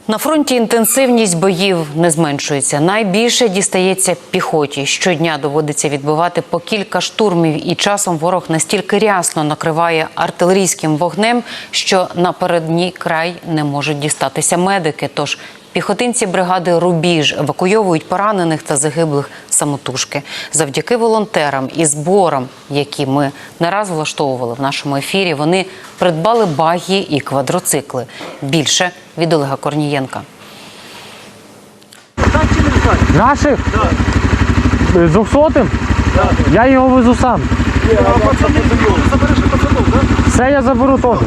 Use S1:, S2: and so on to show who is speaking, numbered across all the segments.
S1: На фронті інтенсивність боїв не зменшується. Найбільше дістається піхоті. Щодня доводиться відбивати по кілька штурмів, і часом ворог настільки рясно накриває артилерійським вогнем, що на передній край не можуть дістатися медики. Тож піхотинці бригади «Рубіж» евакуйовують поранених та загиблих самотужки. Завдяки волонтерам і зборам, які ми не раз влаштовували в нашому ефірі, вони придбали багі і квадроцикли. Більше від Олега Корнієнка.
S2: Наших? Так. З 200-м? Так. Я його везу сам.
S3: А пацани, забереш пацанов, так?
S2: Все я заберу теж.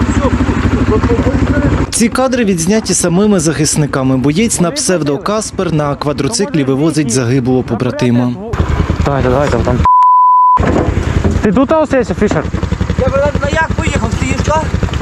S4: Ці кадри відзняті самими захисниками. Боєць на псевдо Каспер на квадроциклі вивозить загиблого побратима.
S2: Давайте, там. Ти тут остаєшся, Фішер?
S3: Я на як поїхав, стоїш, так?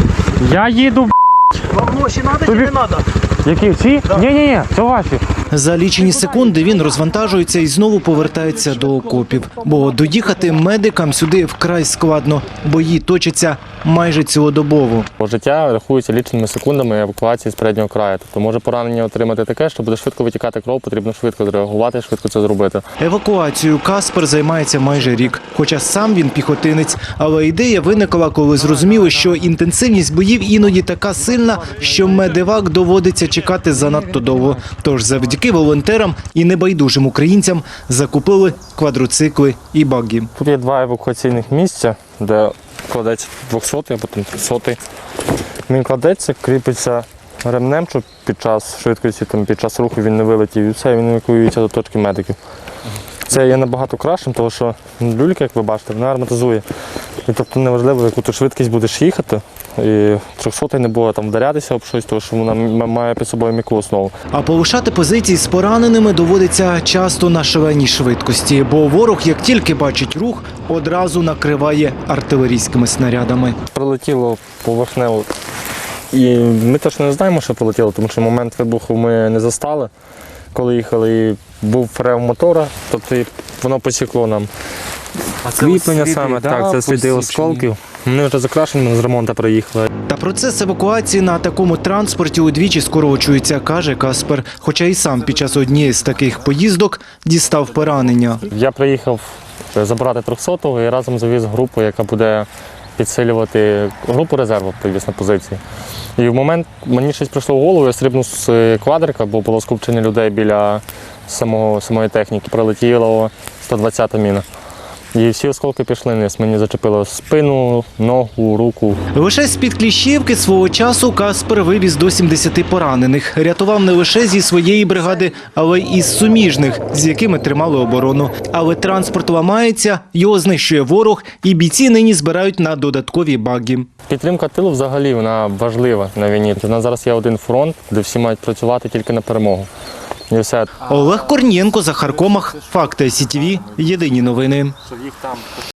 S2: Я їду,
S3: Вам гроші треба чи не треба?
S2: Які? Ці? Ні, це ваші.
S4: За лічені секунди він розвантажується і знову повертається до окопів. Бо доїхати медикам сюди вкрай складно. Бої точаться майже цілодобово.
S5: Життя рахується ліченими секундами евакуації з переднього краю. Тобто може поранення отримати таке, що буде швидко витікати кров, потрібно швидко зреагувати, швидко це зробити.
S4: Евакуацією Каспер займається майже рік. Хоча сам він піхотинець. Але ідея виникла, коли зрозуміли, що інтенсивність боїв іноді така сильна, що медевак доводиться чекати занадто довго. Тож завдяки волонтерам і небайдужим українцям закупили квадроцикли і багі.
S5: Тут є два евакуаційних місця, де кладеться 200-й, а потім 300-й. Він кладеться, кріпиться ремнем, щоб під час швидкості, під час руху він не вилетів, і все, він евакуюється до точки медиків. Це є набагато кращим, тому що люлька, як ви бачите, вона арматизує. І тобто неважливо, яку ти швидкість будеш їхати, і 300-й не буде там вдарятися об щось, тому що вона має під собою м'яку основу.
S4: А полишати позиції з пораненими доводиться часто на шаленій швидкості, бо ворог, як тільки бачить рух, одразу накриває артилерійськими снарядами.
S5: Прилетіло поверхнево, і ми точно не знаємо, що прилетіло, тому що момент вибуху ми не застали, коли їхали, і був рев мотора, тобто воно посікло нам. Кріплення саме, так, це сліди осколків. Вони вже закрашені, ми з ремонту приїхали.
S4: Та процес евакуації на такому транспорті удвічі скорочується, каже Каспер. Хоча і сам під час однієї з таких поїздок дістав поранення.
S5: Я приїхав забрати 300-го і разом завіз групу, яка буде підсилювати групу резерву, привіз на позиції. І в момент мені щось прийшло в голову, я стрибнув з квадрика, бо було скупчення людей біля самої техніки. Прилетіла 120-та міна. І всі осколки пішли вниз. Мені зачепило спину, ногу, руку.
S4: Лише з-під Кліщівки свого часу Каспер вивіз до 70 поранених. Рятував не лише зі своєї бригади, але й із суміжних, з якими тримали оборону. Але транспорт ламається, його знищує ворог, і бійці нині збирають на додаткові баги.
S5: Підтримка тилу взагалі вона важлива на війні. У нас зараз є один фронт, де всі мають працювати тільки на перемогу. І все.
S4: Олег Корнієнко, Захар Комах, Факти СІТВ, єдині новини.